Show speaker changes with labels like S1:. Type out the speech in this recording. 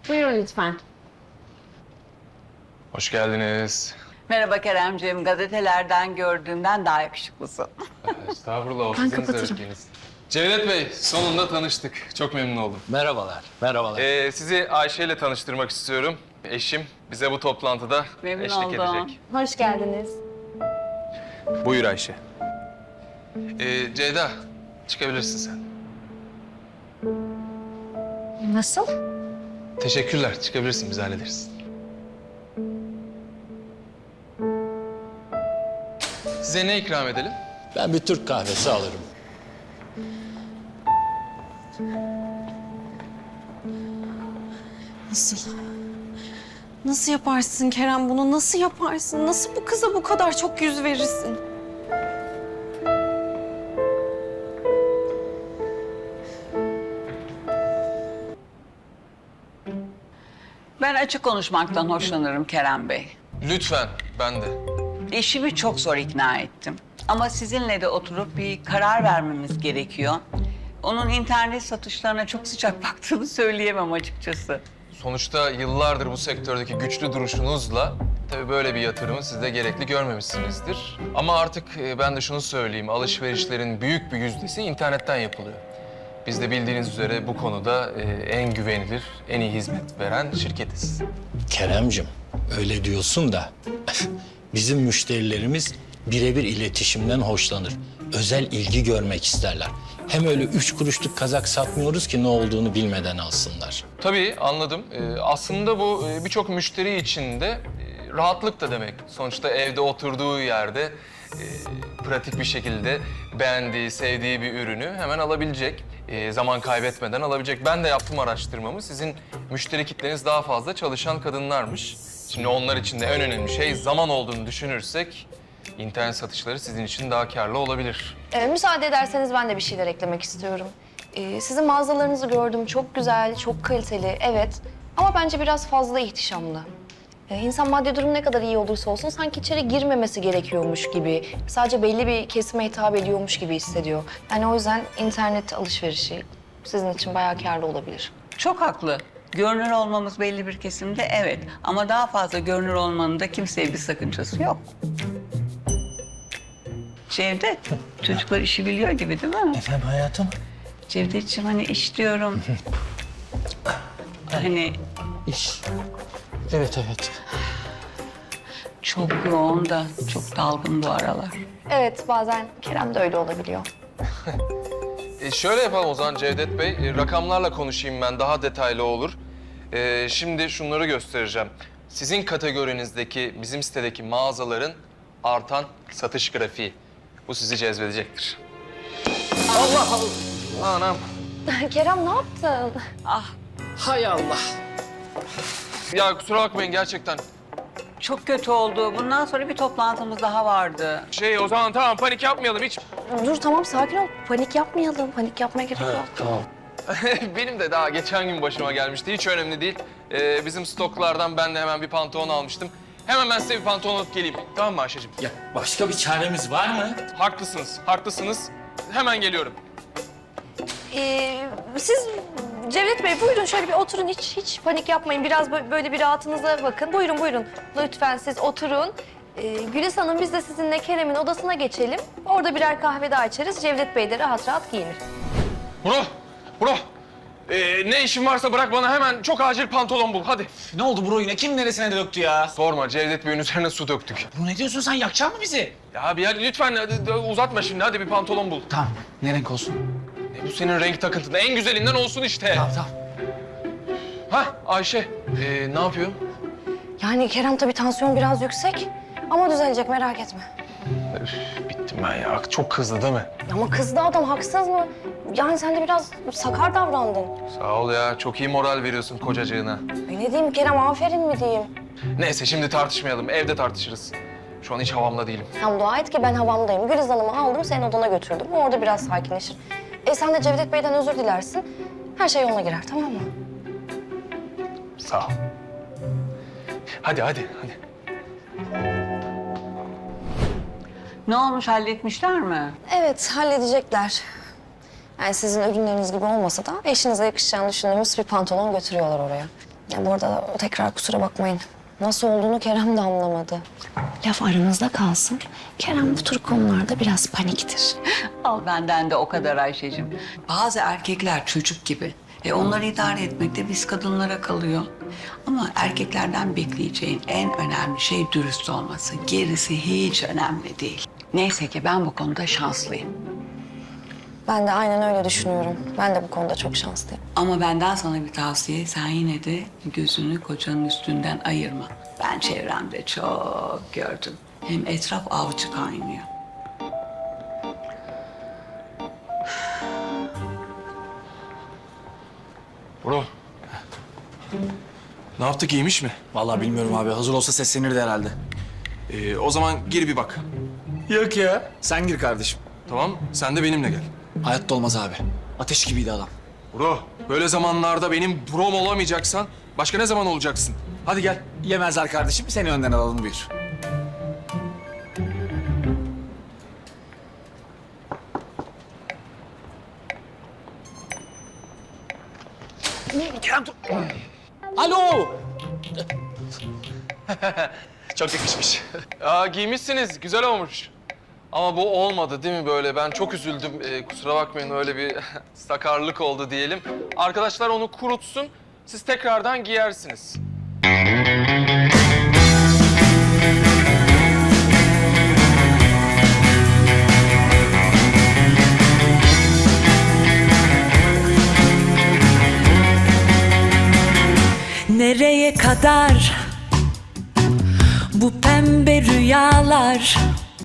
S1: Buyurun lütfen.
S2: Hoş geldiniz.
S3: Merhaba Keremciğim. Gazetelerden gördüğümden daha yakışıklısın.
S2: Estağfurullah, o
S1: Ben
S2: sizin
S1: kapatırım.
S2: zevkiniz. Cevdet Bey, sonunda tanıştık. Çok memnun oldum.
S4: Merhabalar, merhabalar.
S2: Sizi Ayşe ile tanıştırmak istiyorum. Eşim bize bu toplantıda
S3: Memnun
S2: eşlik
S3: oldum.
S2: edecek.
S1: Hoş geldiniz.
S2: Buyur Ayşe. Ceyda, çıkabilirsin sen.
S1: Nasıl?
S2: Teşekkürler, çıkabilirsin, biz hallederiz. Size ne ikram edelim?
S4: Ben bir Türk kahvesi alırım.
S1: Nasıl? Nasıl yaparsın Kerem bunu? Nasıl yaparsın? Nasıl bu kıza bu kadar çok yüz verirsin?
S3: Ben açık konuşmaktan hoşlanırım Kerem Bey.
S2: Lütfen, ben de.
S3: Eşimi çok zor ikna ettim. Ama sizinle de oturup bir karar vermemiz gerekiyor. Onun internet satışlarına çok sıcak baktığını söyleyemem açıkçası.
S2: Sonuçta yıllardır bu sektördeki güçlü duruşunuzla tabii böyle bir yatırımı siz de gerekli görmemişsinizdir. Ama artık ben de şunu söyleyeyim, alışverişlerin büyük bir yüzdesi internetten yapılıyor. Biz de bildiğiniz üzere bu konuda en güvenilir, en iyi hizmet veren şirketiz.
S4: Keremcim, öyle diyorsun da bizim müşterilerimiz birebir iletişimden hoşlanır. Özel ilgi görmek isterler. Hem öyle 3 kuruşluk kazak satmıyoruz ki ne olduğunu bilmeden alsınlar.
S2: Tabii anladım. Aslında bu birçok müşteri için de rahatlık da demek. Sonuçta evde oturduğu yerde pratik bir şekilde beğendiği, sevdiği bir ürünü hemen alabilecek. Zaman kaybetmeden alabilecek. Ben de yaptım araştırmamı. Sizin müşteri kitleniz daha fazla çalışan kadınlarmış. Şimdi onlar için de en önemli şey zaman olduğunu düşünürsek internet satışları sizin için daha karlı olabilir.
S5: Müsaade ederseniz ben de bir şeyler eklemek istiyorum. Sizin mağazalarınızı gördüm. Çok güzel, çok kaliteli, evet. Ama bence biraz fazla ihtişamlı. İnsan maddi durum ne kadar iyi olursa olsun sanki içeri girmemesi gerekiyormuş gibi, sadece belli bir kesime hitap ediyormuş gibi hissediyor. Yani o yüzden internet alışverişi sizin için bayağı kârlı olabilir.
S3: Çok haklı. Görünür olmamız belli bir kesimde evet. Ama daha fazla görünür olmanın da kimseye bir sakıncası yok. Cevdet, çocuklar işi biliyor gibi değil mi?
S4: Efendim hayatım?
S3: Cevdetciğim hani iş diyorum. Hani
S4: İş. Evet, evet.
S3: çok yoğun da çok dalgın bu aralar.
S5: Evet, bazen Kerem de öyle olabiliyor.
S2: Şöyle yapalım o zaman Cevdet Bey. Rakamlarla konuşayım ben, daha detaylı olur. Şimdi şunları göstereceğim. Sizin kategorinizdeki, bizim sitedeki mağazaların artan satış grafiği. Bu sizi cezbedecektir. Allah Allah! Anam!
S5: Kerem ne yaptın?
S3: Ah,
S4: Hay Allah.
S2: Ya kusura bakmayın gerçekten.
S3: çok kötü oldu. Bundan sonra bir toplantımız daha vardı.
S2: O zaman tamam, panik yapmayalım hiç.
S5: Dur tamam, sakin ol. Panik yapmayalım. Panik yapmaya gerek yok.
S4: Tamam.
S2: Benim de daha geçen gün başıma gelmişti. Hiç önemli değil. Bizim stoklardan ben de hemen bir pantolon almıştım. Hemen ben size bir pantolon alıp geleyim. Tamam mı Ayşe'cim?
S4: Ya başka bir çaremiz var mı?
S2: Haklısınız, haklısınız. Hemen geliyorum.
S5: Siz Cevdet Bey buyurun şöyle bir oturun. Hiç panik yapmayın. Biraz böyle bir rahatınıza bakın. Buyurun buyurun. Lütfen siz oturun. Gülis Hanım biz de sizinle Kerem'in odasına geçelim. Orada birer kahve daha içeriz. Cevdet Bey de rahat rahat giyinir.
S2: Bro. Ne işin varsa bırak bana hemen çok acil pantolon bul. Hadi.
S6: Ne oldu bro yine? Kim neresine döktü ya?
S2: Sorma Cevdet Bey'in üzerine su döktük.
S6: Bro ne diyorsun sen? Yakacak mı bizi?
S2: Ya abi hadi lütfen hadi, uzatma şimdi. Hadi bir pantolon bul.
S6: Tamam. Ne renk olsun?
S2: Bu senin renk takıntın. En güzelinden olsun işte.
S6: Tamam.
S2: Hah Ayşe. Ne yapıyor?
S5: Yani Kerem tabii tansiyon biraz yüksek. Ama düzelecek merak etme.
S2: Üf, bittim ben ya. Çok kızdı değil mi?
S5: Ama kızdı adam haksız mı? Yani sen de biraz sakar davrandın.
S2: Sağ ol ya. Çok iyi moral veriyorsun kocacığına.
S5: Ne diyeyim Kerem, aferin mi diyeyim?
S2: Neyse şimdi tartışmayalım. Evde tartışırız. Şu an hiç havamda değilim.
S5: Sen dua et ki ben havamdayım. Güliz Hanım'ı aldım, senin odana götürdüm. Orada biraz sakinleşir. Sen de Cevdet Bey'den özür dilersin. Her şey yoluna girer, tamam mı?
S2: Sağ ol. Hadi.
S3: Ne olmuş, halletmişler mi?
S5: Evet, halledecekler. Yani sizin ürünleriniz gibi olmasa da eşinize yakışacağını düşündüğümüz bir pantolon götürüyorlar oraya. Ya bu arada tekrar kusura bakmayın. Nasıl olduğunu Kerem de anlamadı. Laf aramızda kalsın. Kerem bu tür konularda biraz paniktir.
S3: Al benden de o kadar Ayşe'cim. Bazı erkekler çocuk gibi. Onları idare etmek de biz kadınlara kalıyor. Ama erkeklerden bekleyeceğin en önemli şey dürüst olması. Gerisi hiç önemli değil. Neyse ki ben bu konuda şanslıyım.
S5: Ben de aynen öyle düşünüyorum. Ben de bu konuda çok şanslıyım.
S3: Ama benden sana bir tavsiye. Sen yine de gözünü kocanın üstünden ayırma. Ben çevremde çok gördüm. Hem etraf avcı kaynıyor.
S2: Bro. Ne yaptık, iyiymiş mi?
S6: Vallahi bilmiyorum abi. Hazır olsa seslenirdi herhalde.
S2: O zaman gir bir bak.
S6: Yok ya. Sen gir kardeşim.
S2: Tamam, sen de benimle gel.
S6: Hayatta olmaz abi. Ateş gibiydi adam.
S2: Bro, böyle zamanlarda benim brom olamayacaksan başka ne zaman olacaksın? Hadi gel.
S6: Yemezler kardeşim. Seni önden alalım buyur. Kerem dur. Alo. Çok yakışmış.
S2: Aa, giymişsiniz, güzel olmuş. Ama bu olmadı değil mi böyle? Ben çok üzüldüm. Kusura bakmayın, öyle bir sakarlık oldu diyelim. Arkadaşlar onu kurutsun, siz tekrardan giyersiniz.
S7: Nereye kadar bu pembe rüyalar?